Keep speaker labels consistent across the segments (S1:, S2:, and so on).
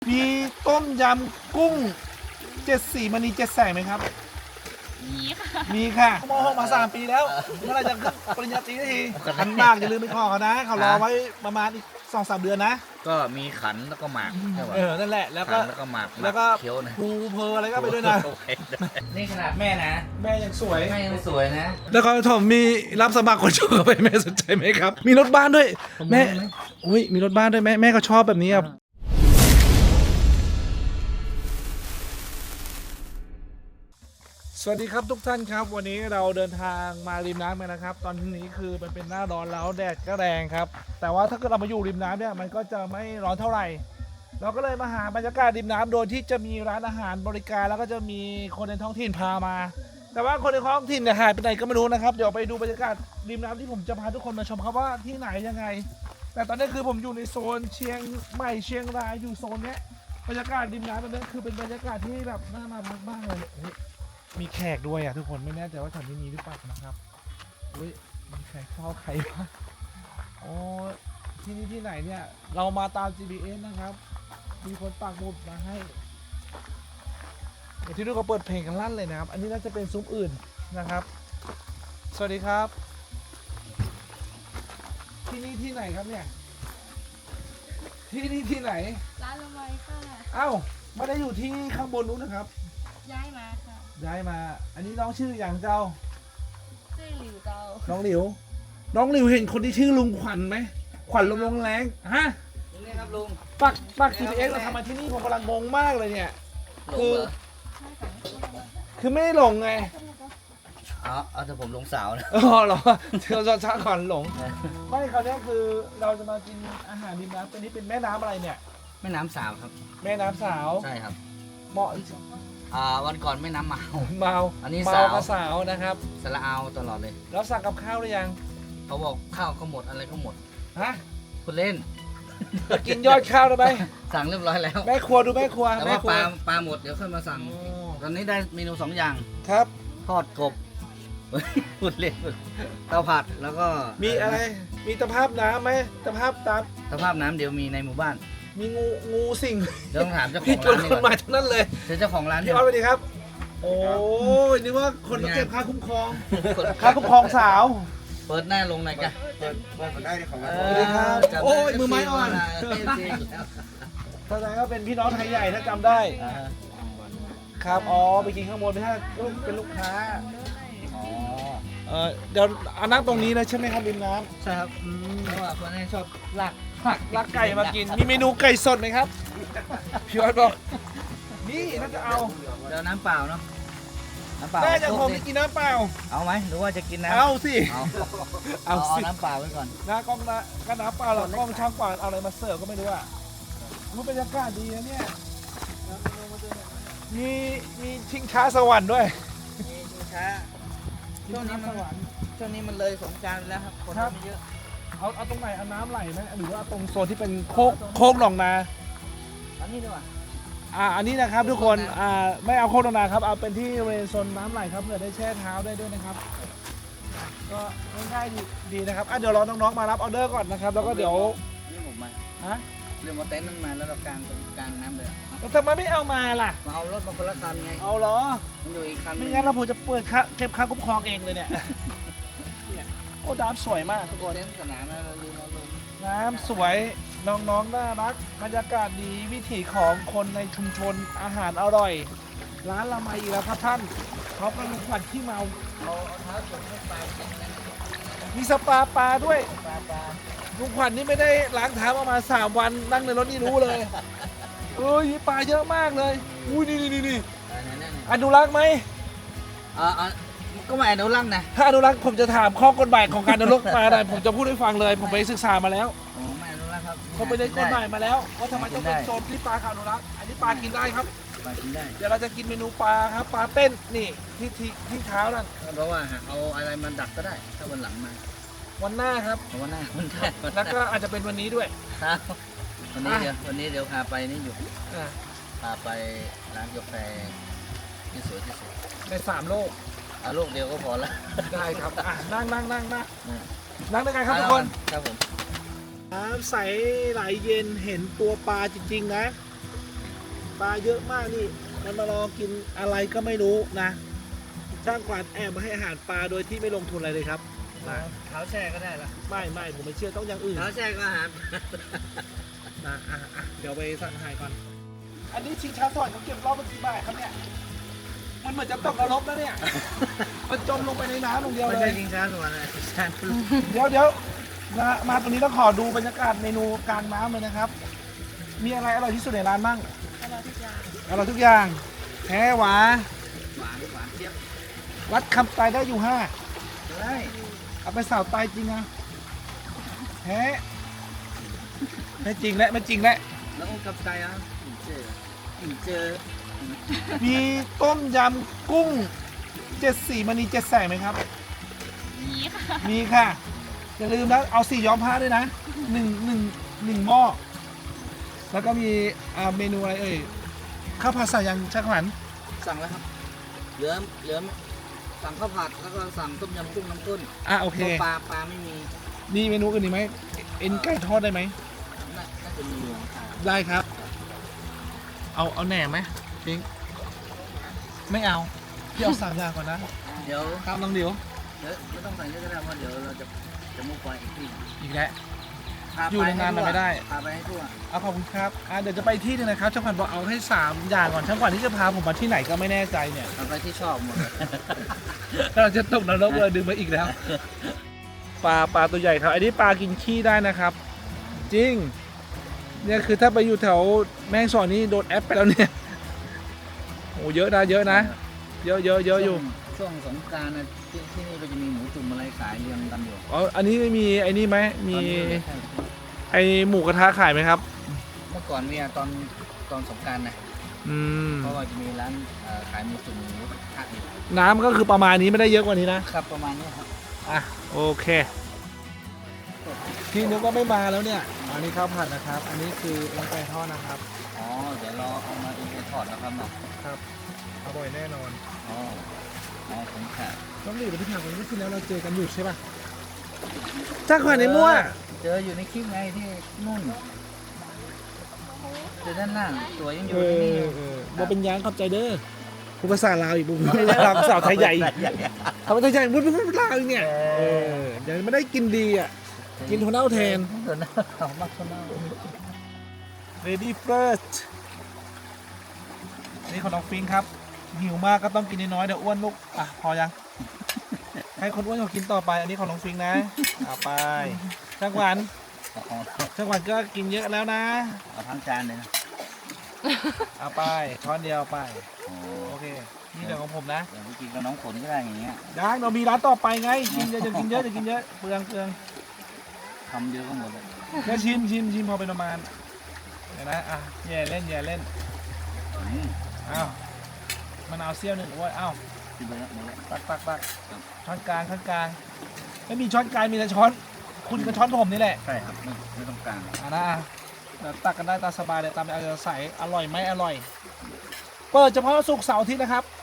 S1: มีต้มยำกุ้งเจ็ดสีมณีเจ็ดแสงไหมครับ
S2: มีค่ะ
S1: มีค่ะมหกมา3 ปีแล้วเมื่อไหรจะขึ้นปริญญาตรีสักทีขันมากอย่าลืมไปขอเขานะเขารอไว้ประมาณอีก2-3 เดือนนะ
S3: ก็มีขันแล้วก็หมากใช่ป่ะ
S1: นั่นแหละแล้วก็
S3: ขันแล้วก็หมาก
S1: แล้วก็
S3: เคี้ยวนะ
S1: ภูเพออะไรก็ไปด้วยนะ
S3: โอเคนี่ขนาดแม่นะ
S1: แม่ยังสวย
S3: แม่ยังสวยนะ
S1: แล้วก็ผมมีรับสมัครคนชอบไปแม่สนใจไหมครับ มีรถบ้านด้วย แม่อุ้ยมีรถบ้านด้วยแม่ก็ชอบแบบนี้ครับสวัสดีครับทุกท่านครับวันนี้เราเดินทางมาริมน้ำกันนะครับ ตอนนี้คือมันเป็นหน้าร้อนแล้วแดดก็แรงครับ แต่ว่าถ้าเกิดเรามาอยู่ริมน้ำเนี่ยมันก็จะไม่ร้อนเท่าไหร่ เราก็เลยมาหาบรรยากาศริมน้ำโดยที่จะมีร้านอาหารบริการแล้วก็จะมีคนในท้องถิ่นพามา แต่ว่าคนในท้องถิ่นเนี่ยหายไปไหนก็ไม่รู้นะครับเดี๋ยวไปดูบรรยากาศริมน้ำที่ผมจะพาทุกคนมาชมครับว่าที่ไหนยังไง แต่ตอนนี้คือผมอยู่ในโซนเชียงใหม่เชียงรายอยู่โซนเนี้ยบรรยากาศริมน้ำแบบนี้คือเป็นบรรยากาศที่แบบน่ามาพักบ้างเลยเฮ้ยมีแขกด้วยอ่ะทุกคนไม่แน่ใจว่าแถวนี้มีหรือเปล่านะครับเฮ้ยมีใครเฝ้าใครวะอ๋อที่นี่ที่ไหนเนี่ยเรามาตาม GPS นะครับมีคนปักหมุดมาให้เดี๋ยวที่นู่นก็เปิดเพลงกันลั่นเลยนะครับอันนี้น่าจะเป็นซุ้มอื่นนะครับสวัสดีครับที่นี่ที่ไหนครับเนี่ยที่นี่ที่ไหน
S2: ร้านละไมค่ะ
S1: เอ้าไม่ได้อยู่ที่ข้างบนนู้นนะครับ
S2: ย้ายมาค่ะ
S1: ย้ายมาอันนี้น้องชื่ออย่างเจ้า
S2: ชื่อหลิวเกา
S1: น้องหลิว น้องหลิวเห็นคนที่ชื่อลุงขวัญไหมขวัญลมแรงฮะ
S3: นี่ครับลุง
S1: ปัก GPS เราทำมาที่นี่ผมกำลังงงมากเลยเนี่ย
S3: หลงเหรอ
S2: ใช่ค่ะ
S1: คือไม่ได้หลงไง
S3: เอาแต่ผมหลงสาวนะ
S1: อ๋อเหรอเธอจะช้าก่อนหลงไม่คราวนี้คือเราจะมากินอาหารริมน้ำตัวนี้เป็นแม่น้ำอะไรเนี่ย
S3: แม่น้ำสาวครับ
S1: แม่น้ำสาว
S3: ใช่ครับ
S1: เหมาะ
S3: วันก่อนแม่น้ำเมา
S1: เมา
S3: อันนี้
S1: เมา
S3: สาว
S1: กับสาวนะครับ
S3: สละเอาตลอดเลย
S1: แล้วสั่งกับข้าวหรือยัง
S3: เขาบอกข้าวก็หมดอะไรก็หมด
S1: ฮะ
S3: คุณเล่น
S1: จะกินยอดข้าวได้ไหม
S3: สั่งเรียบร้อยแล้ว
S1: แม่ครัวดูแม่ครัว
S3: แต่
S1: แม่
S3: ว่า
S1: ครัว
S3: ปลาหมดเดี๋ยวค่อยมาสั่ง
S1: อ๋อ
S3: ตอนนี้ได้เมนู2 อย่าง
S1: ครับ
S3: ทอดกบ พูดเล่นเตาผัดแล้วก็
S1: มีอะไร มีตะภาพน้ำไหมตะภาพตาม
S3: สภาพน้ำเดี๋ยวมีในหมู่บ้าน
S1: มีงูสิ่ง
S3: เดี๋ยวต้องถามเจ้าข
S1: พี่
S3: อง
S1: ชว
S3: ร้าน นดี
S1: คน
S3: ก
S1: มา
S3: ว่า
S1: ทั้งนั้นเลย
S3: เดี๋ยวเจ้าของร้าน
S1: พี่ออสสวัสดีครับ โอ้ยนึกว่าคนมาเก็บค่าคุ้มครอง ค่า
S3: เ
S1: คุ้มครองสาว
S3: ปิดหน้าลงหน่อยกัน
S1: สวัสดีครับโอ้ยมือไม้อ่อน แสดงว่าเป็นพี่น้องไทยใหญ่ถ้าจำได้ ครับ อ๋อ ไปกินข้างบนถ้าเป็นลูกค้า
S3: อ๋อ
S1: เดี๋ยวเอานั่งตรงนี้เลยใช่ไหมครับริมน้
S3: ใช่ครับเพราะว่าคนนี้ชอบลาก
S1: ำลักไก่มากิน มีเมนูไก่สดไหมครับ พี่ออสบอก นี่น่าจะเอา
S3: เดี๋ยวน้ำเปล่าเนาะน้ำเปล่า
S1: แม่จะผม
S3: ดิ
S1: ไม่กินน้ำเปล่า
S3: เอาไหมหรือว่าจะกินน้ำ
S1: เอาสิ
S3: เอา
S1: เอาสิ
S3: น้ำเปล่าไว้ก่อน
S1: น้ากล้องนะก็น้ำเปล่าหรอกกล้องช่างกว่าเอาอะไรมาเสิร์ฟก็ไม่รู้อ่ะมันบรรยากาศดีนะเนี่ย มีชิงช้าสวรรค์ด้วย
S3: มีชิงช้า
S1: ชิงช้าสวรรค์
S3: ช่วงนี้มันเลยสงกรานต์ไปแล้วครับคน
S1: ครับ
S3: ไม่เยอะ
S1: เอาตรงไหนเอาน้ำไหลไหมหรือว่าตรงโซนที่เป็นโคกหนองนา
S3: อันนี้ดีกว่า
S1: อันนี้นะครับทุกคน ไม่เอาโคกหนองนาครับเอาเป็นที่บริเวณโซนน้ำไหลครับเผื่อได้แช่เท้าได้ด้วยนะครับ ก็ง่ายๆดีนะครับเดี๋ยวรอน้องๆมารับออเดอร์ก่อนนะครับแล้วก็เดี๋ยว
S3: นี่ผมมา
S1: ฮะ
S3: เรื่องมาเต็นท์นั่นมาแล้วเรากางตรงกลางน้ำเลยอะ
S1: แล้วทำไมไม่เอามาล่ะ
S3: มาเอารถมาคนละคันไง
S1: เอาเหรอ
S3: มันอยู่อีกคัน
S1: ไม่งั้นเราผมจะเปิดเก็บค่าคุ้มครองเองเลยเนี่ย เนี่ยโอ้น้ำสวยมากทุกคน
S3: เต็นท์สนามแล้วเราลืมเอาลง
S1: น้ำสวยน้องๆน่ารักบรรยากาศดีวิถีของคนในชุมชนอาหารอร่อย ร้านละไมอีกแล้วครับท่านเขาเป็นลุงขวัญที่เมา
S3: เอาเท้าจุ่มให้ปลากินนะ
S1: มีสปาปลาด้วย
S3: ปลา
S1: ลุงขวัญนี่ไม่ได้ล้างเท้ามา3 วันนั่งในรถนี่รู้เลยเอ้ยมีปลาเยอะมากเลยอุ้ยนี่
S3: ไหนๆ
S1: อนุรักษ์ไหม
S3: ก็ไม่อนุรักษ์นะ
S1: ถ้าอนุรักษ์ผมจะถามข้อกฎหมายของการอนุรักษ์มาอะไรผมจะพูดให้ฟังเลย ผมไปศึกษามาแล้ว
S3: โอ้ไม่อนุรักษ์ครับ
S1: เขาไปเรียนกฎหมายมาแล้วว่าทำไมต้องเป็นโซนที่ปลาขาอนุรักษ์อันนี้ปลากินได้ครับ
S3: ปลากินได้
S1: เดี๋ยวเราจะกินเมนูปลาครับปลาเต้นนี่ที่เท้านั่น
S3: เพราะว่าเอาอะไรมาดักก็ได้ถ้าวันหลังมา
S1: วันหน้าครับ
S3: เพราะว่าหน้ามันได้วันห
S1: แล้ว
S3: น้า
S1: ก็อาจจะเป็นวันนี้ด้วย
S3: ครับวันนี้เดี๋ยวพาไปนี่อยู่
S1: อ่า
S3: พาไปร้านกาแฟที่สวยที่สุด
S1: ใน3 โลก
S3: เอาลูกเดียวก็พอละ
S1: ได้ครับนั่ง
S3: นะ
S1: นั่งด้วยกันครับทุกคน
S3: ครับผม
S1: น้ำใสไหลเย็นเห็นตัวปลาจริงๆนะปลาเยอะมากนี่ มันมารอกินอะไรก็ไม่รู้นะ ช่างขวัญแอบมาให้อาหารปลาโดยที่ไม่ลงทุนอะไรเลยครับนะ
S3: เท้าแช่ก็ได้ละ
S1: ไม่ผมไม่เชื่อต้องอย่างอื่น
S3: เท้าแช่ก็อาหาร
S1: นะเดี๋ยวไปสั่งอาหารก่อน อันนี้ชิงช้าสวรรค์เขาเก็บรอบเมื่อกี้บ่ายครับเนี่ย มันเหมือนจะตกนรกแล้วเนี่ย มันจมลงไปในน้ำลงเดียว
S3: ไม่
S1: เล
S3: ใช่
S1: ย
S3: ชิงช้าสวรรค์นะชิงช้าลูก
S1: เดี๋ยวนะมาตรงนี้ต้องขอดูบรรยากาศเมนูกลางน้ำเลยนะครับ มีอะไรอร่อยที่สุดในร้านบ้าง
S2: อร่อยทุกอย่าง
S1: อร่อยทุกอย่างแท้หวา
S3: หวานเจี๊ยบ
S1: วัดคำไตได้อยู่ห้า
S3: ได้
S1: เอาไปสาวไตจริงนะแท้ไม่จริงและไม่จริงและ
S3: แล้วก็กับใจอ่ะอินเจอ
S1: มีต้มยำกุ้งเจ็ดสีมณีเจ็ดแสงไหมครับ
S2: มีค่ะ
S1: มีค่ะ อย่าลืมนะเอาสีย้อมผ้าด้วยนะหนึ่งหม้อ แล้วก็มีเมนูอะไรเอ่ยข้าวผัดใส่ยังชักขวัญ
S3: สั่งแล้วครับเหลือสั่งข้าวผัดแล้วก็สั่งต้มยำกุ้งน้ำข้น
S1: โอเค
S3: ปลาไม่มี
S1: มีเมนูอื่นอีกไหมเอ็นไก่ทอดได้ไหม
S3: น่าจะมีอยู่
S1: ได้ครับ เอาแหนมไหมพิงค์ไม่เอาพี่เอา3 อย่างก่อนนะ
S3: เดี๋ยว
S1: ครับน้องเดียว
S3: ไม่ต้องสั่งเยอะก็ได้เพราะเดี๋ยวเราจะมุ่งไปอีกที่
S1: อีกแล้ว
S3: พา
S1: อยู่นานๆมันไม่ได้
S3: พาไปให้ทั่ว
S1: เอาขอบคุณครับเดี๋ยวจะไปที่หนึงนะครับช่างขวัญบอกเอาให้3 อย่างก่อนช่างขวัญที่จะพาผมมาที่ไหนก็ไม่แน่ใจเนี่ย
S3: เอาไปที่ชอบหมดเลย
S1: เราจะตกนรกเลยดึงมาอีกแล้ว ปลาตัวใหญ่ครับ อันนี้ปลากินขี้ได้นะครับ จริง เนี่ยคือถ้าไปอยู่แถวแม่ฮ่องสอนนี่โดนแอปไปแล้วเนี่ยโอ้เยอะนะเยอะอยู่
S3: ช่วงสงกรานต์นะที่นี่เราจะมีหมูจุ่มอะไรขายเรียงกันอยู่
S1: อ๋ออันนี้ไม่มีไอ้นี่ไหมมี
S3: ตอนนี้ไม่ใช่
S1: ไอหมูกระทะขายไหมครับ
S3: เมื่อก่อนเนี่ยตอนสงกรานต์นะ
S1: อืม
S3: เพราะว่าจะมีร้านขายหมูจุ่มหมูกระทะอยู่
S1: น้ำก็คือประมาณนี้ไม่ได้เยอะกว่านี้นะ
S3: ครับประมาณนี้ครับ
S1: โอเค พี่นึกว่าไม่มาแล้วเนี่ย อันนี้ข้าวผัดนะครับ อันนี้คือเอ็นไก่ทอดนะครับ
S3: อ๋อเดี๋ยวเราเอามาอีกไปทอดนะครับเนาะ
S1: ครับอร่อยแน่นอน
S3: อ๋อผมค่ะ
S1: ต้องรีบไปที่ทางวันนี้ที่แล้วเราเจอกันอยู่ใช่ป่ะจ้าขวัญในมั่ว
S3: เจออยู่ในคลิปไงที่นู่นเจอด้านล่างตัวยังอยู่
S1: เอ
S3: ใน
S1: อ
S3: นี่อยู่
S1: บ่เป็นยางขอบใจเด้อผู้ภาษาลาวอีกบุ้งไม่ได้ลาวภาษาไทยใหญ่เขาไทยใหญ่พูดลาวอีกเนี่ยเดี๋ยวไม่ได้กินดีอ่ะ กินถั่วเน่าแทน
S3: ถั่วเน่าของมักถั่วเน่า
S1: Ready first นี่ของน้องฟิงครับ หิวมากก็ต้องกินน้อยๆเดี๋ยวอ้วนลูกพอยัง ให้คนอ้วนเขากินต่อไป อันนี้ของน้องฟิงนะเอาไปช่างหวานช่างหวานก็กินเยอะแล้วนะ
S3: เอาทั้งจานเลยนะ
S1: เอาไปช้อนเดียวไป
S3: โอ้
S1: โอเค นี่เดี๋ยวของผมนะ
S3: เดี๋ยวไปกินกับน้องฝนก็ได้อย่างเงี้ย
S1: ได้เรามีร้านต่อไปไง กินเยอะจะกินเยอะจะกินเยอะ เปลือง
S3: ทำเยอะก็หมดเลย
S1: แค่ชิมพอเป็นประมาณเดี๋ยวนะแย่เล่น
S3: อืม
S1: อ้าวมะนาวเสี้ยวหนึ่งโอ้ยอ้าว
S3: กินไปแล้วหมดแล้ว
S1: ตักช้อนกลางไม่มีช้อนกลางมีแต่ช้อน คุณกับช้อนผมนี่แหละ
S3: ใช่ครับไม่ต้องการ
S1: เดี๋ยวตักกันได้ตามสบายเลยตามเอาใจใส่อร่อยไหมอร่อย เปิดเฉพาะศุกร์เสาร์อาทิตย์นะครับ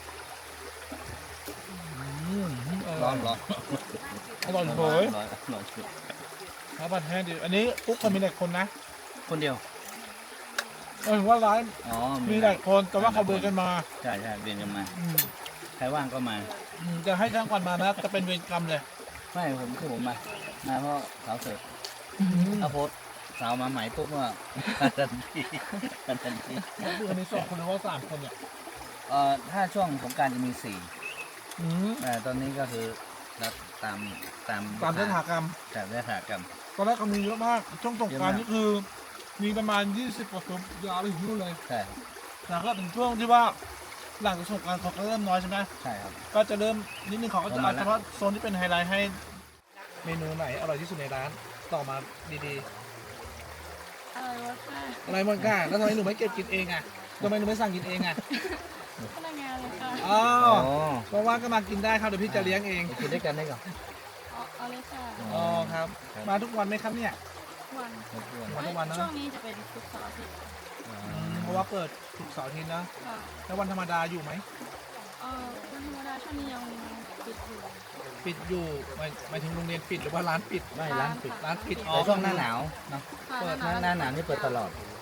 S3: ร้อนร้อน
S1: อร่อยเผย
S3: ร้อน
S1: ครับบัตรแท้ดิอันนี้ปุ๊กมันมีหลายคนนะ
S3: คนเดียว
S1: ถึงว่าร้าน
S3: อ๋อ
S1: มีหลายคนแต่ว่าเขาเดินกันมา
S3: ใช่เรียนกันมาใครว่างก็มา
S1: จะให้ช่างก่อนมานะจะเป็นเวรกรรมเลย
S3: ไม่ผมมาเพราะสาวเสิร์ฟถ้าโพสสาวมาใหม่ปุ๊บว่าทันที
S1: คืออันนี้2 คนหรือว่า3 คนเนี่ย
S3: ถ้าช่วงสงกรารจะมี4
S1: อืม
S3: แต่ตอนนี้ก็คือรับตาม
S1: ตามยถากรรม
S3: แต่ยถากรรม
S1: ตอนแรกก็มีเยอะมาก ช่วงสงกรานต์
S3: เยอะมาก
S1: นี่คือ มีประมาณ20 กว่าคนยาวไปถึงนู่นเลย
S3: ใช่
S1: แต่ก็ถึงช่วงที่ว่าหลังจากสงกรานต์เขาก็เริ่มน้อยใช่ไหม
S3: ใช่ครับ
S1: ก็จะเริ่มนิดนึงเขาก็จะ
S3: ประมา
S1: เอา
S3: ณ
S1: เฉ
S3: นั้น
S1: พาะโซนที่เป็นไฮไลท์ให้เมนูไหนอร่อยที่สุดในร้านต่อมาดี
S2: อร่อยมากค่ะ
S1: ๆอะไรมันก้าแล้วทำไมหนูไม่เก็บกินเองอ่ะทำไมหนูไม่สั่งกินเองอ่ะ
S2: พนักงานเลยค่ะ
S1: อ๋อ
S3: อ๋อ
S1: เพราะว่าก็มากินได้ครับเดี๋ยวพี่จะเลี้ยงเอง
S3: ไปกินด้วยกันได้ก่อน
S2: เอาเลยค่ะ
S1: อ๋อครับ มาทุกวันไหมครับเนี่ย
S2: วัน
S1: มาทุกวันนะ
S2: ช่วงนี้จะเป็นทุกเสาร์อาทิตย์
S1: เพราะว่าเปิดศุกร์เสาร์อาทิตย์นะ
S2: ค่ะ
S1: แล้ววันธรรมดาอยู่ไหม
S2: วันธรรมดาช่วงนี้ยังปิดอยู่
S1: ปิดอยู่หมายถึงโรงเรียนปิดหรือว่าร้านปิด
S3: ไม่ร้านปิด
S1: ร้านปิดอ๋อ
S3: แต่ช่วงหน้าหนาวเนาะ
S2: ค่ะ
S1: เปิด
S3: หน้าหนาวนี่เปิดตลอด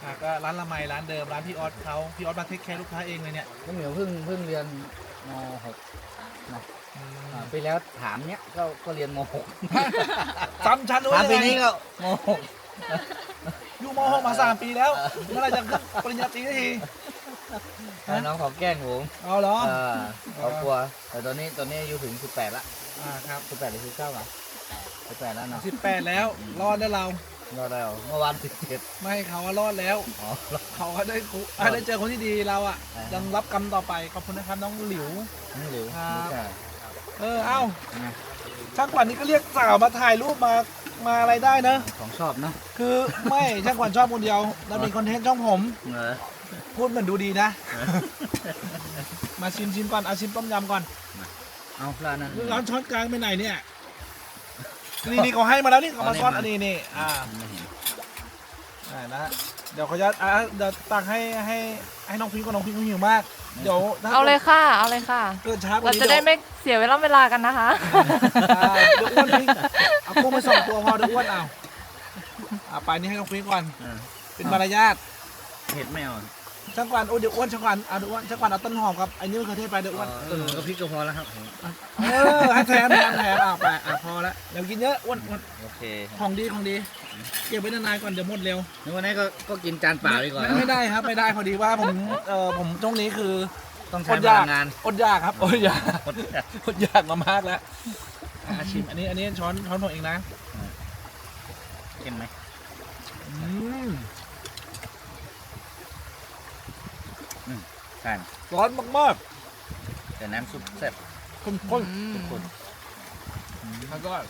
S1: ก็ร้านละไมร้านเดิมร้านพี่ออสเขาพี่ออสมาเทคแคร์ลูกค้าเองเลยเนี่ย
S3: น้องเหมียวเพิ่งเรียนม .6 นะปีแล้วถามเนี้ยก็เรียนม .6
S1: ซ้ำชั้นด้วย
S3: ถามปีนี้ก็ม
S1: อยู่ม .6 มา3 ปีแล้วเมื่อไหรจะขึ้นปริญญาตรีสักที
S3: .6 น้องขอแกล้งผม
S1: เอาเหรอ
S3: เขากลัวแต่ตอนนี้อายุถึง18ละ
S1: ครับ
S3: 18หรือ19อ่ะ18แล้วเนาะ
S1: 18แล้วรอดแล้วเรา
S3: รอดแล้วเมื่อวาน17
S1: ไม่เขาว่ารอดแล้ว
S3: อ๋อ
S1: เขาก็ได้เจอคนที่ดีเราอ่ะ
S3: อ่ายั
S1: ยังรับกรรมต่อไปขอบคุณนะครับน้องหลิว
S3: นี่หลิว
S1: ครับ
S3: นี่จ้ะ
S1: เอ้า
S3: ไง
S1: ช่างขวัญนี่ก็เรียกสาวมาถ่ายรูปมาอะไรได้เนอะ
S3: ของชอบเนาะ
S1: คือไม่ช่างขวัญชอบคนเดียวแล้วเป็นคอนเทนต์ช่องผม
S3: เหรอ
S1: พูดเหมือนดูดีนะ มาชิมก่อนเอาชิมต้มยำก่อน
S3: เอาปลานั้น
S1: ร้านช้อนกลางไปไหนเนี่ยนี่เขาให้มาแล้วนี่เขามาซ่อนอันนี้นี่
S3: ไม่เห็น
S1: นะเดี๋ยวเขาจะเดี๋ยวตักให้น้องพิงกับน้องพิงเขาหิวมาก เดี๋ยวถ้
S2: เอาเลยค่ะ เอาเลยค่ะ
S1: เกิดช้ากว่า
S2: เรา
S1: นี้
S2: จะได้ไม่เสียเวลากันนะคะ
S1: เดี๋ยวอ้วนพิงเอากุ้งไป2 ตัวพอเดี๋ยวอ้วนเอาไปนี่ให้น้องพิงก่อน
S3: เออ
S1: เป็นมารยาท
S3: เห็ดไม่เอา
S1: ช่างกวันโอ้เดี๋ยวอ้วนช่างกวันเอาเดี๋ยวอ้วนช่างกวันเอาต้นหอมครับไอ้นี่มะเขือเทศไปเดี๋ยวอ้วน
S3: ก็พริกก็พอแล้วครับ
S1: ให้แถมไปพอแล้วเดี๋ยวกินเยอะอ้วน
S3: โอเค
S1: ของดีเก็บไว้นานๆก่อนเดี๋ยวหมดเร็ว
S3: นึกว่านี้ก็กินจานเปล่าดีกว่า
S1: ไม่ได้ครับไม่ได้พอดีว่าผมช่วงนี้คือ
S3: ต้องใช้พลังงาน
S1: อดอยากครับอดอยาก
S3: อดอยาก
S1: อดอยากมามากแล้วชิมอันนี้ช้อนผมเองนะ
S3: เห็นไหม ใช่
S1: ร้อนมาก
S3: แต่น้ำซุปแซ่บ
S1: ๆข้น
S3: ข้น
S1: ๆแล้วก็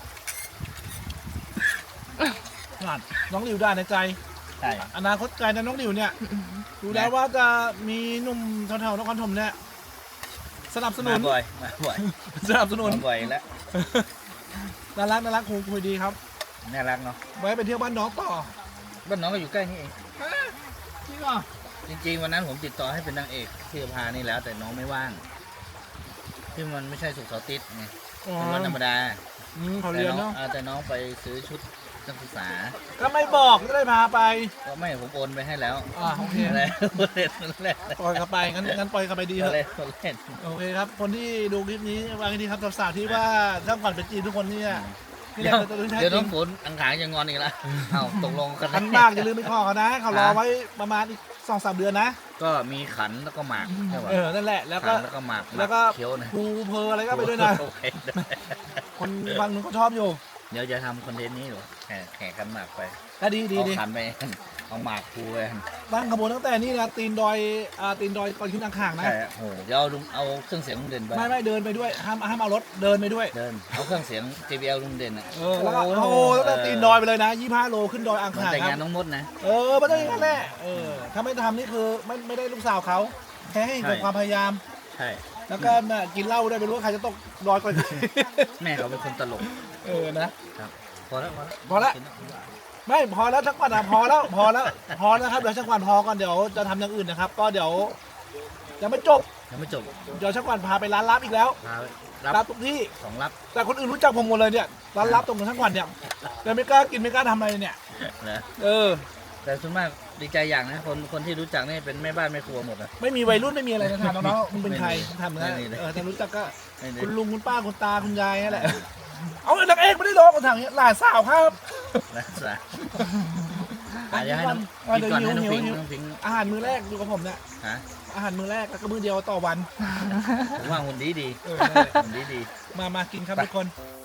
S1: นั่นน้องหลิวด่าในใจ
S3: ใช่
S1: อนาคตไกลนะน้องหลิวเนี่ยดูแล้วว่าจะมีหนุ่มแถวๆนครธมเนี่ยสนับสนุ
S3: มาน บ่อยมาบ่อย
S1: สนับสนุน
S3: มาบ่อยแล้ว
S1: น่ารักคุยดีครับ
S3: น่ารักเนาะ
S1: ไว้ไปเที่ยวบ้านน้องต่อ
S3: บ้านน้องก็อยู่ใกล้นี่เอง
S1: จริงเหรอ
S3: จริงๆวันนั้นผมติดต่อให้เป็นนางเอกที่พานี่แล้วแต่น้องไม่ว่างที่มันไม่ใช่ศุกร์เสาร์อาทิตย์ไงเป็นวันธรรมดา
S1: เขาเรียนเนาะ
S3: แต่น้องไปซื้อชุดนักศึกษา
S1: ก็ไม่บอกจะได้พาไป
S3: ก็ไม่ผมโอนไปให้แล้ว
S1: โอเค
S3: อะไรเล่นเล่น
S1: ปล่อยเขาไปงั้นปล่อยเขาไปดีเถอะ
S3: เล่นเล่น
S1: โอเคครับ คนที่ดูคลิปนี้วางให้ดีครับสาวๆที่ว่าช่างก่อนเป็นจีนทุกคนเนี่ยที่
S3: เดี๋
S1: แร
S3: ยว
S1: กตัวที่แท้
S3: เดี๋ยว
S1: จ
S3: น้
S1: ริ
S3: อง งฝนอังขางจะงอนอีกแล้วเอาตกลงกัน
S1: ขันมากอย่าลืมไปขอเขานะเขารอไว้ประมาณอีก2-3 เดือนนะ
S3: ก็มีขันแล้วก็หมากใช่ป่ะ
S1: นั่นแหละแล้ว
S3: ขั
S1: ก็
S3: นแล้วก็หมาก
S1: แล้วก็
S3: เคี้ยวนะ
S1: ภูเพออะไรก็ไปด้วยนะ
S3: โอเค
S1: คนฟังนึงก็ชอบอยู่
S3: เดี๋ยวจะทำคอนเทนต์นี้หรอแข่ขันหมากไป
S1: ก็ดี
S3: เอาขันไปเอาหมากภูไป
S1: ตั้งขบวนตั้งแต่นี่นะตีนดอยก่อนขึ้นอังขางนะ
S3: ใช่โอ้โหเดี๋ยวเอาเครื่องเสียงลุงเด่นไป
S1: ไม่เดินไปด้วยห้ามเอารถเดินไปด้วย
S3: เดินเอาเครื่องเสียง JBL ลุงเด่นอ่ะ
S1: แล้วก็ตั้งแต่ตีนดอยไปเลยนะ25 โลขึ้นดอยอัง
S3: มัน
S1: ขาง
S3: แต่ง
S1: ค
S3: งา
S1: รั
S3: น
S1: บ
S3: น้องมดนะ
S1: มันต้องอย่างนั้นแหละถ้าไม่ทำนี่คือไม่ได้ลูกสาวเขาแค่ให้เห็นถึงความพยายาม
S3: ใช่
S1: แล้วก็กินเหล้าด้วยไม่รู้ว่าใครจะตกดอยก่อน
S3: แม่เขาเป็นคนตลก
S1: นะครับ
S3: พอแล้ว
S1: พอแล้ว ไม่พอแล้วชักวันพอแล้วครับเดี๋ยวชักวันพอก่อนเดี๋ยวจะทำอย่างอื่นนะครับ ก็เดี๋ยวยังไม่จบ
S3: ยังไม่จบ
S1: เดี๋ยวชักวันพาไปร้านลับอีกแล้ว
S3: พา
S1: รั
S3: รั
S1: บบ ทุกที่
S3: ของรับ
S1: แต่คนอื่นรู้จักผมหมดเลยเนี่ยร้านลับตรงชักวันเนี่ยแต่ไม่กล้ากินไม่กล้าทำอะไรเนี่ย
S3: นะ
S1: อ
S3: แต่ส่วนมากดีใจอย่างนะคนที่รู้จักนี่เป็นแม่บ้านแม่ครัวหมดอ่ะ
S1: ไม่มีวัยรุ่นไม่มีอะไรนะถามน้องๆมึงเป็นใคร
S3: ไม่มี
S1: ถามนะ
S3: ไม่มีเลย
S1: แต่รู้จักก็
S3: ไม่ได้
S1: คุณลุงคุณป้าคุณตาคุณยายนั่นแหละเอานางเอกไม่ได้ร้องกันทางนี้หลานสาวครับ
S3: นะสะเดี๋ยวให้น้อง
S1: เดี๋
S3: กิน
S1: ยว
S3: ก่อนให้น้อง
S1: หิว
S3: พิง
S1: หิว
S3: น้องพิง
S1: อาหารมื้อแรกดูกับผมเนี่ย
S3: ฮะ
S1: อาหารมื้อแรกแล้วก็มื้อเดียวต่อวัน
S3: ผมว่าหุ่นดีดี
S1: นั่นแหละ
S3: หุ่นดีดี
S1: มากินครับทุกคน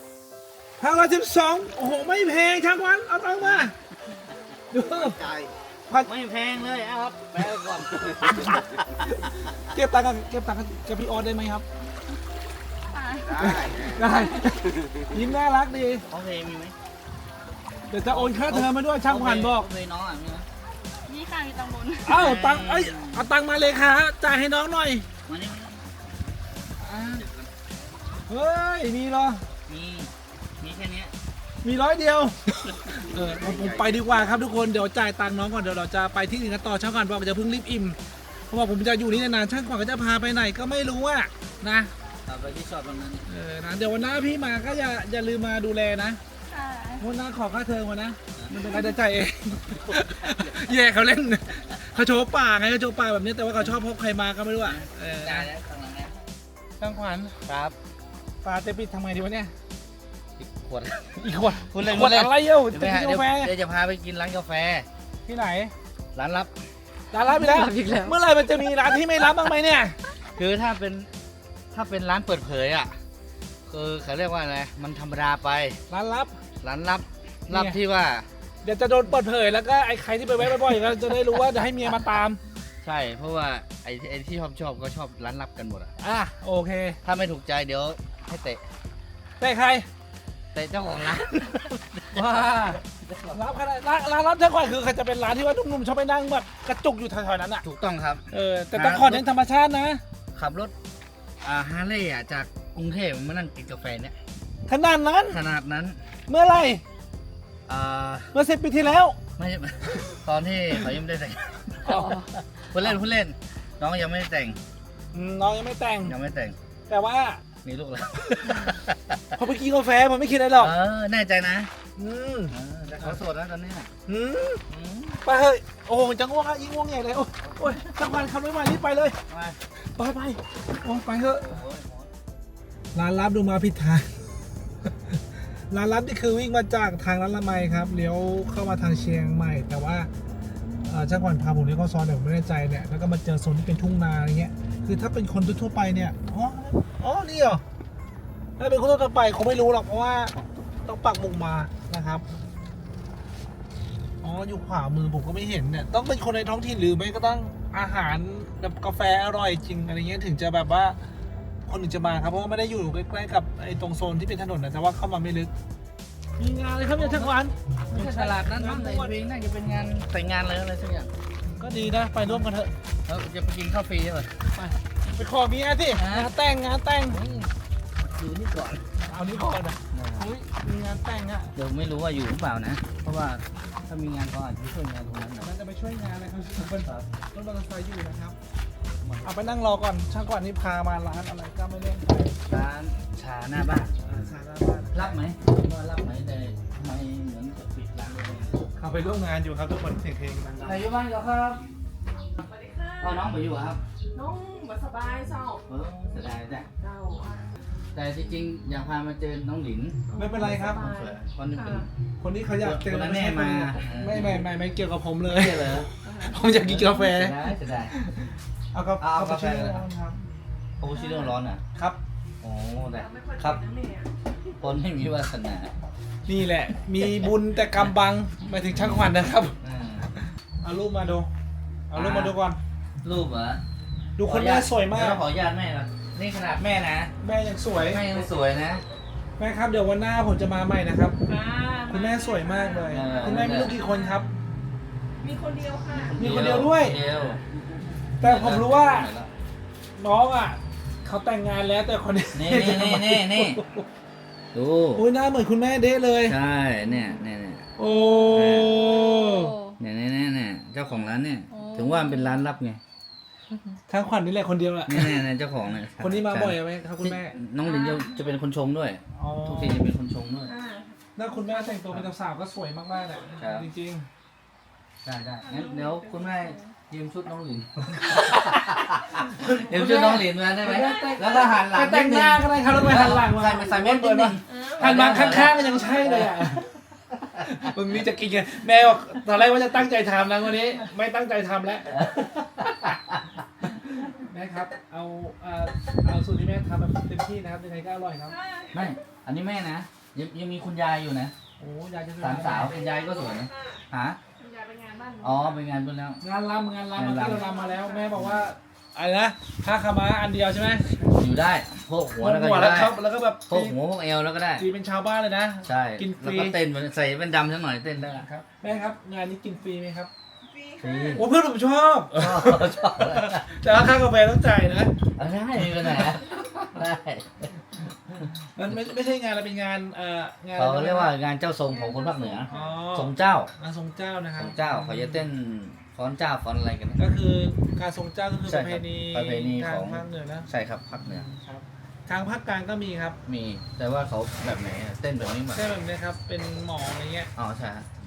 S1: 512โอ้โหไม่แพงช่างวันเอาตังค์มาดู
S3: ไม่แพงเลยครับแปลก่อน
S1: เก็บตังค์กับพี่ออสได้ไหมครับ ได้ยิ้มน่ารักดี
S3: โอเคมีไหม
S1: เดี๋ยวจะโอนค่าเทอมมาด้วยช่างวันบอก
S3: เคยน้องอ่ะมีไหม
S2: นี่ค่ะมีตังบน
S1: เอ้าตังค์เอาตังค์มาเลยค่ะจ่ายให้น้องหน่อย
S3: มานี่
S1: เฮ้ยมีเหรอ
S3: มีแค่นี้
S1: มี100 เดียวผมไปดีกว่าครับทุกคนเดี๋ยวจ่ายตังค์น้องก่อนเดี๋ยวเราจะไปที่อื่นกันต่อช่างก่อนบอกจะเพิ่งรีบอิ่มเพราะว่าผมจะอยู่นี่นานๆช่างก่อนก็จะพาไปไหนก็ไม่รู้อะนะ
S3: เอาไปที่ชอบตรงนั้น
S1: นะเดี๋ยววันหน้าพี่มาก็อย่าลืมมาดูแลนะ
S2: ค่ะ
S1: วันหน้าขอค่าเทอมมานะ
S3: เอ
S1: มันเป็นรายได้จ่ายเอง แย่เขาเล่นเขาโชว์ป่าไงเขาโชว์ป่าแบบนี้แต่ว่าเขาชอบพกใครมาก็ไม่รู้อ่ะ
S3: ได้แล้วข้างหลังแล้ว
S1: ช่างขวัญ
S3: ครับ
S1: ปลาเตปิดทำไงดีวะเนี่ย
S3: อีกขวด
S1: อีกขวด
S3: พูดเล่น
S1: ขวดอะไรเอ้า
S3: เดี๋ยว
S1: จะ
S3: ไป
S1: กิ
S3: หาน
S1: กาแฟ
S3: เดี๋ยวจะพาไปกินร้านกาแฟ
S1: ที่ไหน
S3: ร้านลับ
S1: ร้านรับไปแล้ว
S2: รับอีกแล้ว
S1: เมื่อไหรมันจะมีร้านที่ไม่รับบ้างไหมเนี่ย
S3: คือถ้าเป็นร้านเปิดเผยอ่ะคือเขาเรียกว่าอะไรมันธรรมดาไป
S1: ร้านรับ
S3: ร้านลับ
S1: เนี่ย
S3: ลับที่ว่า
S1: เดี๋ยวจะโดนเปิดเผยแล้วก็ไอ้ใครที่ไปแวะบ่อยๆก็จะได้รู้ว่าจะให้เมียมาตาม
S3: ใช่เพราะว่าไอ้ที่ชอบก็ชอบร้านลับกันหมดอ่ะ
S1: อ่ะโอเค
S3: ถ้าไม่ถูกใจเดี๋ยวให้เตะ
S1: แต่ใคร
S3: เตะเจ้าของร้าน
S1: ว้ารับขนาดร้านรับช่างขวัญคือเขาจะเป็นร้านที่ว่าหนุ่มๆชอบไปนั่งแบบกระจุกอยู่แถวๆนั้นอ่ะ
S3: ถูกต้องครับ
S1: แต่ต้องขอเน้นธรรมชาตินะ
S3: ขับรถฮาร์เลย์อ่ะจากกรุงเทพมานั่งกินกาแฟเนี่ย
S1: ขนาดนั้น
S3: ขนาดนั้น
S1: เมื่อไหร่
S3: อ่า
S1: เมื่อ10 ปีที่แล้ว
S3: ไม่ใช่ ตอนที่เขายังไม่ได้แต่ง
S1: อ๋อ
S3: พูดเล่นน้องยังไม่ได้แต่ง
S1: น้องยังไม่แต่ง
S3: ยังไม่แต่ง
S1: แต่ว่า
S3: มีลูกแล้ว
S1: พอไปกินกาแฟมันไม่คิดอะไรหรอก
S3: แน่ใจนะ
S1: อืม
S3: แต่เขาโสดนะตอนนี้น่ะ
S1: อืม
S3: อืม
S1: ไปเฮ้ยโอ้โหจะง่วงอะยิ่งง่วงใหญ่เลยโอ้ยช่างขวัญขับรถมารีบไปเลย
S3: มา
S1: ไปโอ้ไปเถอะ
S3: โอ้ย
S1: ร้านลับดูมาผิดทาง ร้านลับนี่คือวิ่งมาจากทางร้านละไมครับเลี้ยวเข้ามาทางเชียงใหม่ แต่ว่าช่างขวัญพาผมเลี้ยวเข้าซอยเดี๋ยวผมไม่แน่ใจเนี่ยแล้วก็มาเจอโซนที่เป็นทุ่งนาอะไรเงี้ยคือถ้าเป็นคนทั่วๆไปเนี่ยอ๋อนี่เหรอถ้าเป็นคนทั่วๆไปคงไม่รู้หรอกเพราะว่าต้องปักหมุดมานะครับอ๋ออยู่ขวามือผมก็ไม่เห็นเนี่ยต้องเป็นคนในท้องถิ่นหรือไม่ก็ต้องอาหารแบบกาแฟอร่อยจริงอะไรเงี้ยถึงจะแบบว่า คนอื่นจะมาครับเพราะว่าไม่ได้อยู่ใกล้ๆกับไอ้ตรงโซนที่เป็นถนนนะแต่ว่าเข้ามาไม่ลึกมีงานเลยครับเนี่ยช่างขวัญ
S3: ไม่ใช่ตลาดนั้นมั้งในเวงน่าจะเป็นงานแต่งงานเลยอะไรสักอย่าง
S1: ก็ดีนะไปร่วมกันเถอะ
S3: แล้วจะไปกินข้าวฟรีใช่ไหม
S1: ไปขอเมียสิงานแต่ง
S3: อยู่นี่ก่อน
S1: เอานี้ก่อนนะอุ้ยมีงานแต่งอ่ะ
S3: เดี๋ยวไม่รู้ว่าอยู่หรือเปล่านะ เพราะว่าถ้ามีงานเขาอาจจะช่วยงานตรงนั้นหน่อย
S1: มันจะไปช่วยงานอะไรครับเป็นรถมอเตอร์ไซค์อยู่นะครับเอาไปนั่งรอก่อนช่างขวัญนี่พามาร้านอะไรก็ไม่เล่น
S3: ร้านชาหน้าบ้าน
S1: ชาหน้าบ้าน
S3: รับไหมว่ารับไหมแต่ทำไมเหมือนจะปิดร้านเลย
S1: เขาไปร่วมงานอยู่ครับทุกคนเสียงเพลงดัง
S3: ใครอยู่บ้านก็ครับ
S2: สวัสดีค่ะ
S3: พ่อน้องไปอยู่ครับ
S2: น้องมาสบายเจ้า
S3: เสียดายจ้ะ
S2: เจ้า
S3: แต่จริงๆอยากพามาเจอน้องหลิน
S1: ๆไม่เป็นไรครับ
S3: คนนึงเป็น
S1: คนนี้เขาอยากเจอ
S3: คนนั้นแน่มา
S1: ไม่เกี่ยวกับผมเลย
S3: เชื่อเลย
S1: ผมอยากกินกาแฟ
S3: เสียดาย
S1: เอากา
S3: เอากาแฟ
S1: ช่วยครับ
S3: โอ้ชิโร่ร้อนอ่ะ
S1: ครับ
S3: โอ้แต่
S2: ไม่ค่อย
S3: ครับ
S2: เป็นนะเนี่ย
S3: คนไม่มีวาสนา
S1: นี่แหละ มีบุญแต่กำบังหมายถึงช่างขวัญนะครับ เอารูปมาดู เอารูปมาดูก่อน
S3: รูปเหรอ
S1: ดูคนแม่สวยมาก
S3: เดี๋ขออนุญาตแม่ก่อนนี่ขนาดแม่นะ
S1: แม่ยังสวย
S3: แม่ยังสวยนะ
S1: แม่ครับเดี๋ยววันหน้าผมจะมาใหม่นะครับ
S2: อ่า
S1: คุณแม่สวยมากเลย
S3: เออ
S1: คุณแม่มีลูกกี่คนครับ
S2: มีคนเดียวค่ะ
S1: มีคนเดียวด้วย
S3: เดียว
S1: แต่ผมรู้ว่าน้องอ่ะเขาแต่งงานแล้วแต่คนนี้
S3: นี่ดู
S1: โอ้ยหน้าเหมือนคุณแม่เด้เลย
S3: ใช่เนี่ย
S1: โอ้
S3: เนี่ยเจ้าของร้านเนี่ย ถึงว่ามันเป็นร้านลับไง
S1: ช่างขวัญนี่แหละคนเดียวแหละ
S3: เนี่ยเจ้าของเนี่ย
S1: คนนี้มาบ่อยไหมครับคุณแม่
S3: น้องลินจะเป็นคนชงด้วย
S1: อ๋อ
S3: ทุกทีจะเป็นคนชงด้วย
S2: อ่า
S1: หน้าคุณแม่แต่งตัวเป็นสาวๆก็สวยมากๆแหละ
S3: ครับ
S1: จริง
S3: ได้งั้นเดี๋ยวคุณแม่ยืมชุดน้องหลิน ยืมชุดน้องหลินมาได้ไหมแล้วก็หันหลัง
S1: ๆแต่งหน้าก็ได้ครับแล้วไปหันหลังมา
S3: ใส่เม็ดนิดนึง
S1: หันมาข้างๆก็ยังใช่เลยอ่ะ มึงนี่จะกินกันแม่บอกตอนแรกว่าจะตั้งใจทำนะวันนี้ ไม่ตั้งใจทำแล้ว แม่ครับ เอาสูตรที่แม่ทำแบบเต็มที่นะครับยังไงก็อร่อยครับ
S3: ไม่ อันนี้แม่นะ ยังมีคุณยายอยู่นะ
S1: โอ้ยายจะ
S3: สามสาวคุณยายก็สวยนะหา
S2: คุณยายไปงานบ้านหนู
S3: อ๋อไปงานเพิ่นแล้ว
S1: งานรำเมื่อกี้
S3: งานรำ
S1: เรารำมาแล้ว แม่บอกว่าอะไรนะผ้าขาวม้าอันเดียวใช่ไหม
S3: อยู่ได้โพกหัวแล้วก็อ
S1: หัว
S3: ยู่
S1: แล้ว
S3: ได้
S1: ครับแล้วก็แบบ
S3: โพกหัวโพกเอวแล้วก็ได้
S1: ตีเป็นชาวบ้านเลยนะ
S3: ใช่
S1: กินฟ
S3: แล้ว
S1: รี
S3: ก็เต้นใส่เป็นดำสักหน่อยเต้นได้
S1: ครับแม่ครับงานนี้กินฟรีไหมครับ
S2: ฟรี
S3: ฟรี
S2: ค่ะ
S1: โอ้เพื่อนผมชอบ
S3: ชอบ
S1: แต่ว่าค่ากาแฟต้องจ่ายนะ
S3: ได้มีปัญหาได้
S1: มันไม่ใช่งานอะไรเป็นงานงาน
S3: เขาเรียกว่างานเจ้าทรงของคนภาคเหนือ
S1: อ๋อ
S3: ทรงเจ้า
S1: งานทรงเจ้านะค
S3: ท
S1: รับ
S3: รงเจ้าเขาจะเต้นฟ้อนเจ้าฟ้อนอะไรกันนะ
S1: ก็คือการทรงเจ้าก็คือ
S3: ใช่
S1: ประ
S3: ครับ
S1: เพณี
S3: ประเพณี
S1: ทา
S3: ของ
S1: งภาคเหนือนะ
S3: ใช่ครับภาคเหนือ
S1: ครับทางภาคกลางก็มีครับ
S3: มีแต่ว่าเขาแบบไหนอะเต้นแบบนี้แบบ
S1: ใช่แบบนี้ครับเป็นหมออะไรเงี้ย
S3: อ๋อใช่ฮะหมอ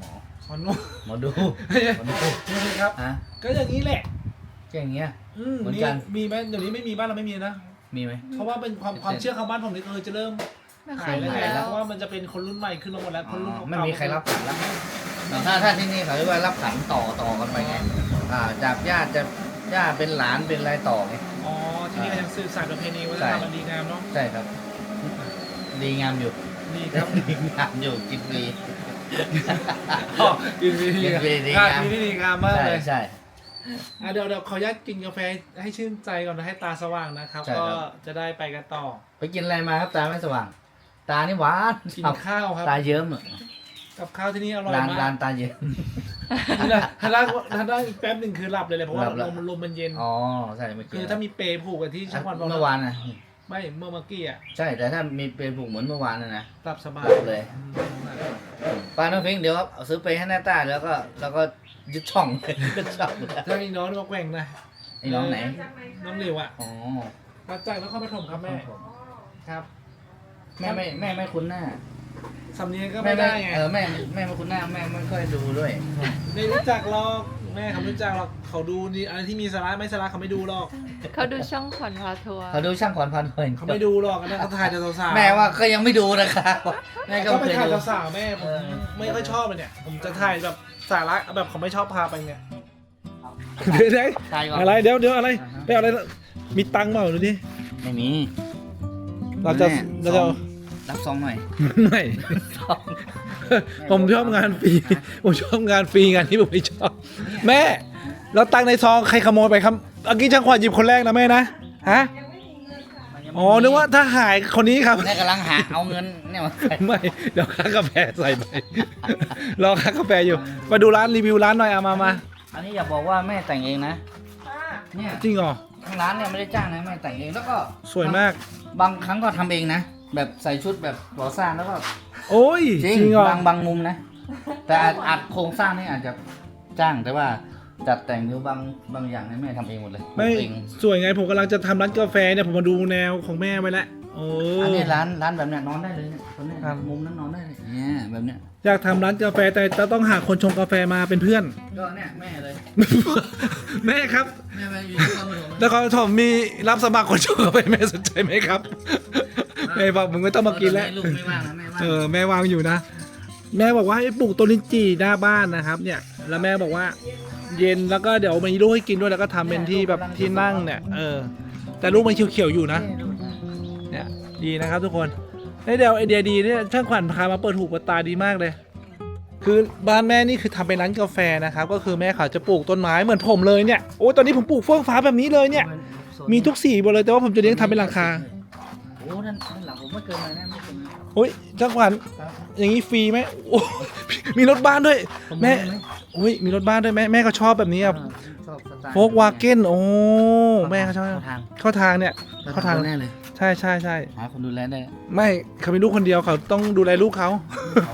S1: หมอนุ่ม
S3: หมอดูหมอดู
S1: นี่ครับ
S3: ฮะ
S1: ก็อย่างนี้แหละ
S3: แค่อย่างเงี้ย เหมือน
S1: นี่
S3: กัน
S1: มีไหมเดี๋ยวนี้ไม่มีบ้านเราไม่มีนะ
S3: มีไหม
S1: เพราะว่าเป็นความเชื่อของบ้านผมนี่คือจะเริ่ม
S2: ไม่ค่
S1: หา
S2: อย ย
S1: แล้ว
S2: มี
S1: ไง
S2: แล้ว
S1: เพราะว่ามันจะเป็นคนรุ่นใหม่ขึ้นมาหมดแล้วคนรุ่น
S3: อ๋อ
S1: เก่า
S3: ไม่มีใครรับขันแล้วถ้าที่นี่เขาเรียกว่ารับขันต่อกันไปไงจากญาติจะญาติเป็นหลานเป็นอะไรต่อไง
S1: อ๋อที่นี่ก็ยังสืบสานประเพณีวัฒนธรรมอันดีงามเนาะ
S3: ใช่ครับ ดีงามอยู่
S1: ดีครับ
S3: ดีงามอยู่กินฟรี
S1: อ๋อดีดี
S3: กินฟรีดี
S1: งาม
S3: งาม
S1: ดีดีงามมาก
S3: ใช่
S1: เลย
S3: ใช่
S1: เดี๋ยวขออนุญาตกินกาแฟให้ชื่นใจก่อนนะให้ตาสว่างนะครับ
S3: ใช่
S1: ก็
S3: ครับ
S1: จะได้ไปกันต่อ
S3: ไปกินอะไรมาครับตาไม่สว่าง ตานี่หวาน
S1: กินข้าวครับ
S3: ตาเยิ้มอะ
S1: กับข้าวที่นี่อร่อย
S3: ร้าน
S1: มา
S3: ร้าก นตาเยิ้ม
S1: นี่นะถ้านั่งอีกแป๊บหนึ่งคือหลับเลยเพราะว่า
S3: หลับแล้ว
S1: ลมมันเย็น
S3: อ๋อใช่เมื่อกี้
S1: คือถ้ามีเปรย์ผูกกันที่ช่างวันบอก
S3: เมื่อวานนะ
S1: ไม่เมื่อกี้อ่ะ
S3: ใช่แต่ถ้ามีเปรย์ผูกเหมือนเมื่อวานนะ
S1: หลับสบาย
S3: หลับเลย ป้าน้องพิงค์เดี๋ยวเอาซื้อไปให้หน้าตาแล้วก็ยึดช่อง เลยยึดช่องเลย
S1: ถ้ามีน้องมาแกว่งนะ
S3: ไอ้น้องไหน
S1: น้องเหลวอ่ะ
S3: อ๋อ
S1: มาจากนครปฐมครับแม่ครับ
S3: แม่ไม่คุ้นหน้า
S1: สำเนียงก็ไม่ได้ไง
S3: แม่ไม่คุ้นหน้าแม่ไม่ค่อยดูด้วย
S1: ไม่รู้จักหรอกแม่เขาไม่รู้จักหรอกเขาดูนี่อะไรที่มีสาระไม่สาระเขาไม่ดูหรอก
S2: เขาดูช่องขวัญพาทัวร์
S3: เขาดูช่างขวัญพันธุ์เพลิน
S1: เขาไม่ดูหรอกอันนั้นเขาถ่ายแต่สาวๆ
S3: แม่ว่าก็ยังไม่ดูนะครับแม่ก็
S1: ก็
S3: ไม่
S1: ไป
S3: เคย
S1: ถ่าย
S3: ดู
S1: สาวๆแม่ผมไม่ค่อยชอบเลยเนี่ยผมจะถ่ายแบบสาระแบบเขาไม่ชอบพาไปเนี่ยเดี๋ยว
S3: ใช่ก่อน
S1: อะไรเดี๋ยวอะไรไปเอาอะไรมีตังค์เปล่าดูดิ
S3: ไม่มี
S1: เราจะ
S3: รับซองหน่อย
S1: ไม่ ผมชอบงานฟรีผมชอบงานฟรีงานที่ผมไม่ชอบ แม่เราตังค์ในซองใครขโมยไปครับเมื่อกี้ช่างขวัญหยิบคนแรกนะแม่นะฮะอ๋อนึกว่าถ้าหายคนนี้ครับ
S3: แม่กำลังหาเอาเงินเนี่ยมาใส่
S1: ไม่เดี๋ยวค่ากาแฟใส่ไปรอค่ากาแฟอยู่มาดูร้านรีวิวร้านหน่อยเอามา
S3: อันนี้อย่าบอกว่าแม่แต่งเองนะเนี่ย
S1: จริงเหรอ
S3: ทางร้านเนี่ยไม่ได้จ้างนะแม่แต่งเองแล้วก็
S1: สวยมาก
S3: บางครั้งก็ทำเองนะ แบบใส่ชุดแบบก่อสร้างแล้วก็
S1: โอ้ย
S3: จริง
S1: เหรอบ
S3: างมุมนะ แต่อาจโครงสร้างนี่อาจจะจ้างแต่ว่าจัดแต่งหรือบางอย่างเนี่ยแม่ทำเองหมดเลย
S1: ไม่
S3: เอง
S1: สวยไงผมกำลังจะทำร้านกาแฟเนี่ยผมมาดูแนวของแม่ไว้แล้วโอ้
S3: อันนี้ร้านแบบเนี้ยนอนได้เลยเนี่ยคนเนี้ย
S1: ครับ
S3: มุมนั้นนอนได้เลยเนี่ยแบบเนี้ย
S1: อยากทำร้านกาแฟแต่จะต้องหาคนชงกาแฟมาเป็นเพื่อน
S3: ก็เนี่ยแม่เลย
S1: แม่ครับ
S3: แม่มาอยู่ที่คอนโด
S1: แล้วเขาผมมีรับสมัครคนชงกาแฟแม่สนใจไหมครับแม่บอกมึงไม่ต้องมากินแล้ว
S3: ลูกไม่ว่างนะแม่ว่าง
S1: แม่วางอยู่นะ แม่บอกว่าให้ปลูกต้นลิ้นจี่หน้าบ้านนะครับ เนี่ย แล้วแม่บอกว่า เย็นแล้วก็เดี๋ยวมีลูกให้กินด้วยแล้วก็ทำเป็นที่แบบที่นั่งเนี่ยแต่ลูกมันเขียวๆอยู่นะ เนี่ยดีนะครับทุกคนเดี๋ยวไอเดียดีเนี่ยช่างขวัญพามาเปิดหูเปิดตาดีมากเลย คือบ้านแม่นี่คือทำเป็นร้านกาแฟนะครับ ก็คือแม่เขาจะปลูกต้นไม้เหมือนผมเลยเนี่ยโอ้ตอนนี้ผมปลูกเฟื่องฟ้าแบบนี้เลยเนี่ย มีทุกสีหมดเลยแต่ว่าผมจะเลี้ยงทำเป็นราคา
S3: โอ้นั่นหลังผมไม่เกินมาแน่ไม่เกินมา
S1: โอ้ยช่างขวัญอย่างนี้ฟรีไหมโอ้มีรถบ้านด้วย แม่โอ้ยมีรถบ้านด้วยแม่เขาชอบแบบนี้อ่ะ
S3: ชอบสไตล์
S1: โฟกวาเก้นโอ้แม่เขาชอบ
S3: ทาง
S1: เข้าทางเนี่ย เข้าทาง
S3: แน่เลย
S1: ใช่ใช่ใช่
S3: หาคนดูแลได้
S1: ไม่เขาเป็นลูกคนเดียวเขาต้องดูแลลูกเขา
S3: เขา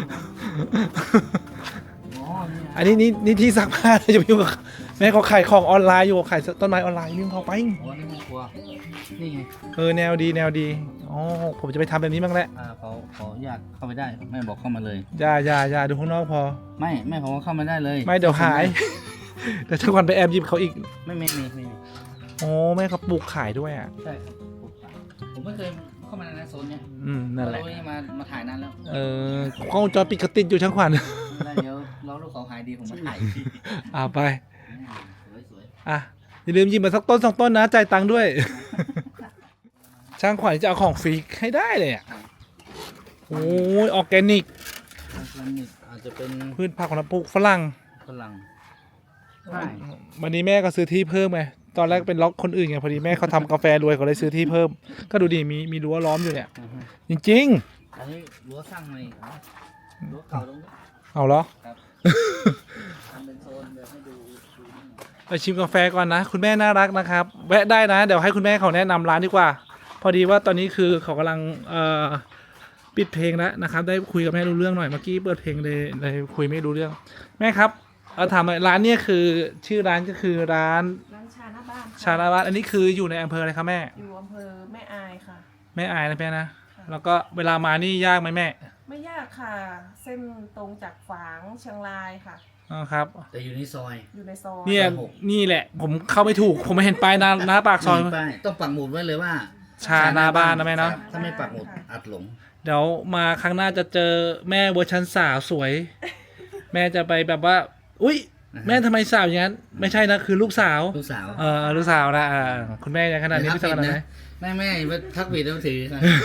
S3: อ๋อเนี่ย
S1: อันนี้นี่ที่ซักผ้าจะไปยุ่งกับแม่เขาขายของออนไลน์อยู่ขายต้นไม้ออนไลน์ยุ่งเขาไป
S3: โอ้นี่แม่ครัวนี่ไง
S1: แนวดีอ๋อผมจะไปทำแบบนี้บ้างแหละ
S3: เขาอยากเข้าไปได้แม่บอกเข้ามาเลย
S1: อย่าดูข้างนอกพอ
S3: ไม่แม่ผมว่าเข้ามาได้เลย
S1: ไม่เดี๋ยวหายเดี๋ยวช่างขวัญไปแอบหยิบเขาอีก
S3: ไม่มี
S1: โอ้แม่เขาปลูกขายด้วยอ่ะ
S3: ใช่ครับผมไม่เคยเข้ามาในโซนเนี้ย
S1: นั่นแหละ
S3: เรานี่มาถ่ายนานแล้ว
S1: กล้องวงจรปิดเขาติดอยู่ช่างขวัญ
S3: แล้วเดี๋ยวเราลูกเขาหายดีผมมาถ่าย
S1: ไป
S3: สวย
S1: อ่ะอย่าลืมหยิบมาสักต้น2 ต้นนะจ่ายตังค์ด้วย ช่างขวัญจะเอาของฟรีให้ได้เลยอ่ะโอ้ยออร์แกนิก
S3: ๆอาจจะเป็น
S1: พืชผักของเราปลูกฝรั่ง
S3: ฝรั่งใช่
S1: วันนี้แม่ก็ซื้อที่เพิ่มไงตอนแรกเป็นล็อกคนอื่นไงพอดีแม่เขาทำกาแฟรวยเขาเลยซื้อที่เพิ่ม ก็ดูดิมีรั้วล้อมอยู่เนี่ย จริง
S3: อันนี้รั้วสร้างใหม่รั้วเก่าตรงนี้
S1: ๆเอาเหรอ
S3: ครับทำเป็นโซนแบบให้ดู
S1: ไปชิมกาแฟก่อนนะ คุณแม่น่ารักนะครับ แวะได้นะ เดี๋ยวให้คุณแม่เขาแนะนำร้านดีกว่า พอดีว่าตอนนี้คือเขากำลังปิดเพลงแล้วนะครับ ได้คุยกับแม่รู้เรื่องหน่อยเมื่อกี้เปิดเพลงเลยคุยไม่รู้เรื่อง แม่ครับถามหน่อยร้านเนี่ยคือชื่อร้านก็คือร้าน
S2: ร้านชาหน้าบ้านค่ะ
S1: ชาลาวัดอันนี้คืออยู่ในอำเภออะไรครับแม่
S2: อยู่อำเภอแม่อายค่ะ
S1: แม่อายนะแม่นะแล้วก็เวลามานี่ยากไหมแม่
S4: ไม่ยากค่ะ เส้นตรงจากฝางเชียงรายค่ะ
S1: อ๋อครับ
S3: แต่อยู่ในซอย
S4: อยู่ในซอย
S1: เนี่ย
S3: ซอย6
S1: นี่แหละ ผมเข้าไม่ถูก ผมไม่เห็นป้ายหน้าปากซอย
S3: มีป้ายต้องปักหมุดไว้เลยว่า
S1: ชาหน้าบ้านนะแม่เนาะ
S3: ครับถ้าไม่ปักหมุดอัดหลง
S1: เดี๋ยวมาครั้งหน้าจะเจอแม่เวอร์ชันสาวสวย แม่จะไปแบบว่า อุ๊ย แม่ทำไมสาวอย่างนั้น ไม่ใช่นะ คือลูกสาว
S3: ลูกสาว
S1: ลูกสาวนะคุณแม่ยังขนาดนี้พี่สาวขนาดไหน
S3: แม่มาพักผิดแล้วถือ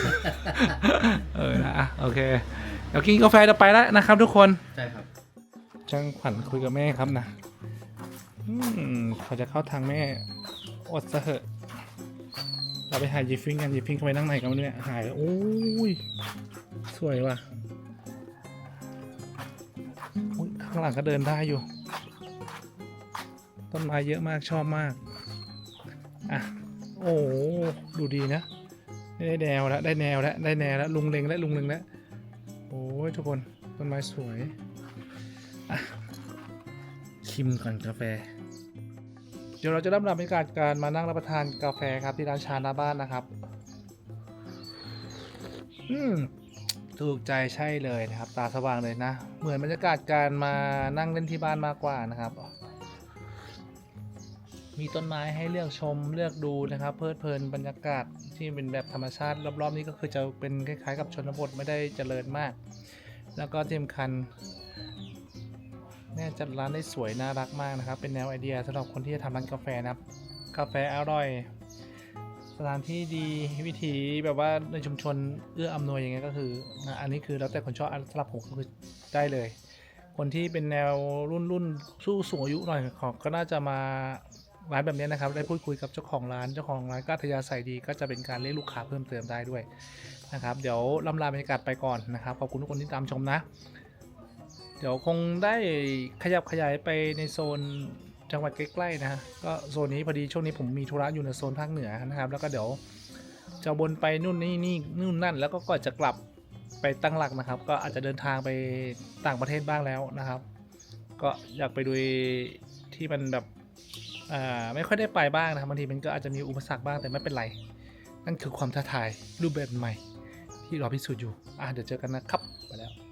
S1: นะโอเค เดี๋ยวกินกาแฟจะไปแล้วนะครับทุกคน
S3: ใช่ครับ
S1: ช่างขวัญคุยกับแม่ครับนะเขาจะเข้าทางแม่อดซะเหอะเราไปหายีฟิงกันยีฟิงเข้าไปนั่งไหนกันเนี่ยหายแล้วโอ้ยสวยว่ะอุ๊ยข้างหลังก็เดินได้อยู่ ต้นไม้เยอะมากชอบมากอ่ะโอ้ดูดีนะได้แนวแล้วได้แนวแล้วได้แนวแล้วลุงเล็งแล้วลุงเล็งแล้วโอ้ยทุกคนต้นไม้สวยอ่ะชิมก่อนกาแฟ เดี๋ยวเราจะเริ่มบรรยากาศการมานั่งรับประทานกาแฟครับที่ร้านชาหน้าบ้านนะครับถูกใจใช่เลยนะครับตาสว่างเลยนะเหมือนบรรยากาศการมานั่งเล่นที่บ้านมากกว่านะครับมีต้นไม้ให้เลือกชมเลือกดูนะครับเพลิดเพลินบรรยากาศที่เป็นแบบธรรมชาติรอบๆนี้ก็คือจะเป็นคล้ายๆกับชนบทไม่ได้เจริญมากแล้วก็ที่สำคัญแม่จัดร้านได้สวยน่ารักมากนะครับเป็นแนวไอเดียสำหรับคนที่จะทำร้านกาแฟนะครับกาแฟอร่อยสถานที่ดีวิถีแบบว่าในชุมชนเอื้ออำนวยอย่างเงี้ยก็คืออันนี้คือแล้วแต่คนชอบสำหรับผมก็คือได้เลยคนที่เป็นแนวรุ่นสู้สูงอายุหน่อยของก็น่าจะมาร้านแบบนี้นะครับได้พูดคุยกับเจ้าของร้านก็อัธยาศัยดีก็จะเป็นการเรียกลูกค้าเพิ่มเติมได้ด้วยนะครับเดี๋ยวลำลาบรรยากาศไปก่อนนะครับขอบคุณทุกคนที่ตามชมนะเดี๋ยวคงได้ขยับขยายไปในโซนจังหวัดใกล้ๆนะก็โซนนี้พอดีช่วงนี้ผมมีธุระอยู่ในโซนภาคเหนือนะครับแล้วก็เดี๋ยวจะวนไปนู่นนั่นแล้วก็ก่อนจะกลับไปตั้งหลักนะครับก็อาจจะเดินทางไปต่างประเทศบ้างแล้วนะครับก็อยากไปดูที่มันแบบไม่ค่อยได้ไปบ้างนะครับบางทีมันก็อาจจะมีอุปสรรคบ้างแต่ไม่เป็นไรนั่นคือความท้าทายรูปแบบใหม่ที่รอพิสูจน์อยู่เดี๋ยวเจอกันนะครับไปแล้ว